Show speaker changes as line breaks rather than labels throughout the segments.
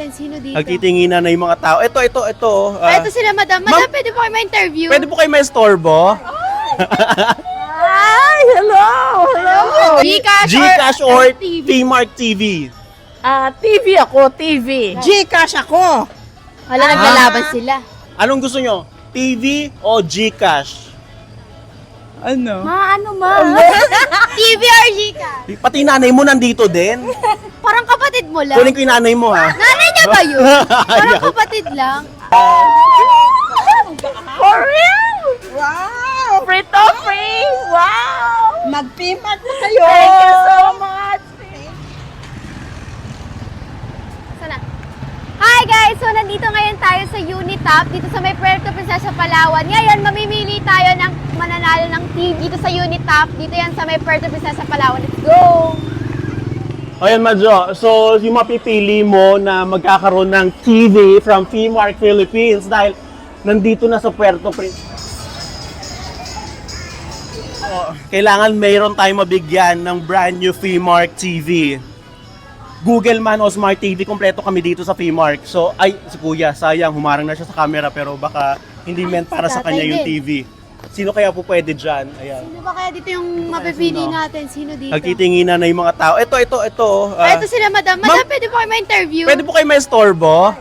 natin. Sino dito?
Nagtitinginan na yung mga tao. Ito.
Ito sila, madam. Madam, pwede po kayo ma-interview?
Pwede po kayo may storbo?
Hi! Hello!
Gcash or P-Mark TV?
TV ako, TV.
Gcash ako.
Wala, naglalaban sila.
Anong gusto nyo? TV o Gcash?
Ano?
TV or Gcash?
Pati nanay mo nandito din.
Parang kapatid mo lang.
Kunin ko yung nanay mo, ha?
Nanay niya ba yun? Parang kapatid lang.
For real?
Wow!
Free to free! Wow!
Mag-payment na kayo.
Thank you so much!
Sana. Hi guys! So nandito ngayon tayo sa Unitop, dito sa may Puerto Princesa, Palawan. Ngayon, mamimili tayo ng mananalo ng TV dito sa Unitop. Dito yan sa may Puerto Princesa, Palawan. Let's go!
Ayan, Madjo. So, yung mapipili mo na magkakaroon ng TV from P-Mark Philippines dahil nandito na sa Puerto Princesa. Kailangan mayroon tayong mabigyan ng brand new P-Mark TV. Google man o Smart TV, kompleto kami dito sa P-Mark. So, si Kuya, sayang, humarang na siya sa camera pero baka hindi meant para sa kanya yung TV. Sino kaya po pwede dyan? Ayan.
Sino ba kaya dito yung mapipili natin? Sino dito?
Nagtitinginan na yung mga tao. Ito.
Ito sila, madam. Madam, pwede po kayo ma-interview?
Pwede po kayo may storbo?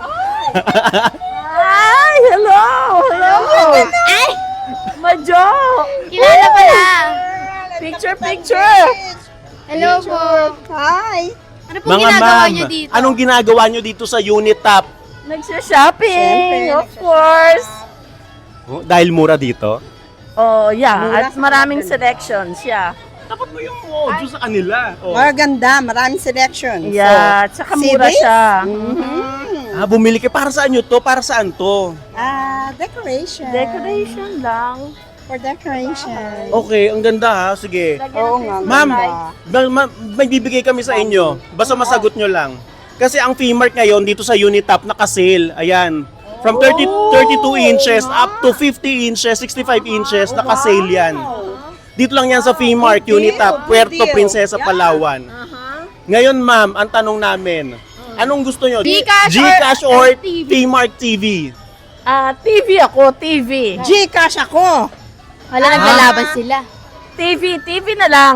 Hi! Hello! Hello!
Ay!
Majo!
Kilala pala!
Picture!
Hello po!
Hi!
Ano pong ginagawa niyo dito?
Anong ginagawa nyo dito sa Unitop?
Nagsha-shopping,
Siyempre,
of course.
Oh, dahil mura dito?
Oh, yeah.
Mura
At
sa
maraming
maganda.
selections, yeah.
Dapat mo yung audio sa kanila. Oh.
Maganda, maraming selection.
Yeah, tsaka mura
CDs?
siya.
Bumili kayo. Para saan nyo to? Para saan to?
Decoration.
Decoration lang.
For decoration.
Okay, ang ganda ha. Sige.
Oo nga.
Ma'am,
ganda.
may bibigay kami sa inyo. Basta masagot nyo lang. Kasi ang P-Mark ngayon dito sa Unitop naka-sale. Ayan. From 32 inches up to 50 inches, 65 inches, naka-sale yan. Dito lang yan sa P-Mark, Unitop, Puerto Princesa, Palawan. Ngayon ma'am, ang tanong namin, anong gusto nyo?
Gcash
or
or TV?
P-Mark TV?
TV ako, TV.
Gcash ako.
Wala, naglalaban sila.
TV na lang.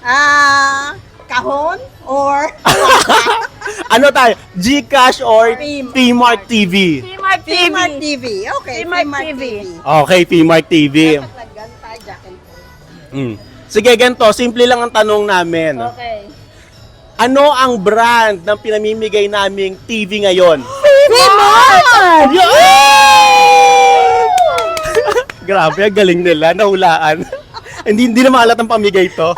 Kahon or
Ano tayo? Gcash or
P-Mark.
P-Mark TV?
P-Mark TV.
P-Mark TV. Okay,
P-Mark
P-Mark
TV.
TV.
Okay, P-Mark TV.
Lagyan tayo, Jack and Post.
Sige, ganito. Simple lang ang tanong namin.
Okay.
Ano ang brand ng pinamimigay naming TV ngayon?
P-Mark!
Grabe, ang galing nila. Nahulaan. hindi na maalat ang pamigay to.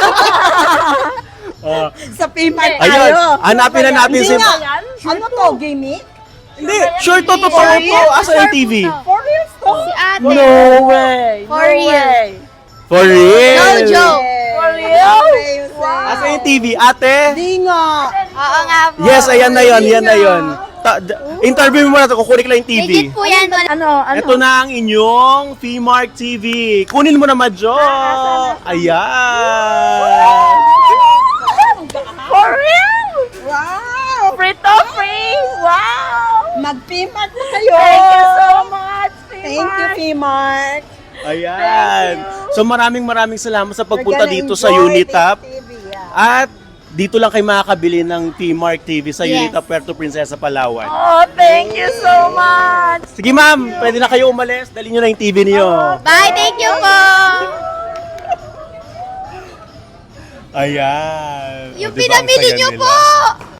Sa P-Mark
Ayun,
tayo.
hanapin na natin si...
Hindi nga. Ano to, gimmick?
Hindi, sure to, totoo to. Asa yung TV?
For real to?
Si ate.
No way!
For
no
real.
way!
For real?
No joke.
For real?
Asa yung TV? Ate?
Di nga.
Oo nga po.
Yes, ayan na yon, yan na yon. Interview mo muna ito, kukunin ko lang yung TV.
Legit po yan.
Ano?
Ito na ang inyong P-Mark TV. Kunin mo na, Madjo. Ayan.
For real?
Wow!
Free to free! Wow!
Mag-P-Mark na kayo.
Thank you so much, P-Mark.
Thank you, P-Mark.
Ayan. So maraming salamat sa pagpunta
We're gonna
dito sa
enjoy
Unitop.
this TV, yeah.
At dito lang kayo makakabili ng P-Mark TV sa
Yes.
Unitop, Puerto Princesa, Palawan.
Oh, thank you so much!
Sige ma'am, pwede na kayo umalis. Dali nyo na yung TV niyo.
Bye, thank you po.
Ayan.
Yung
O, diba, ang
pinamili
saya
niyo
nila.
po.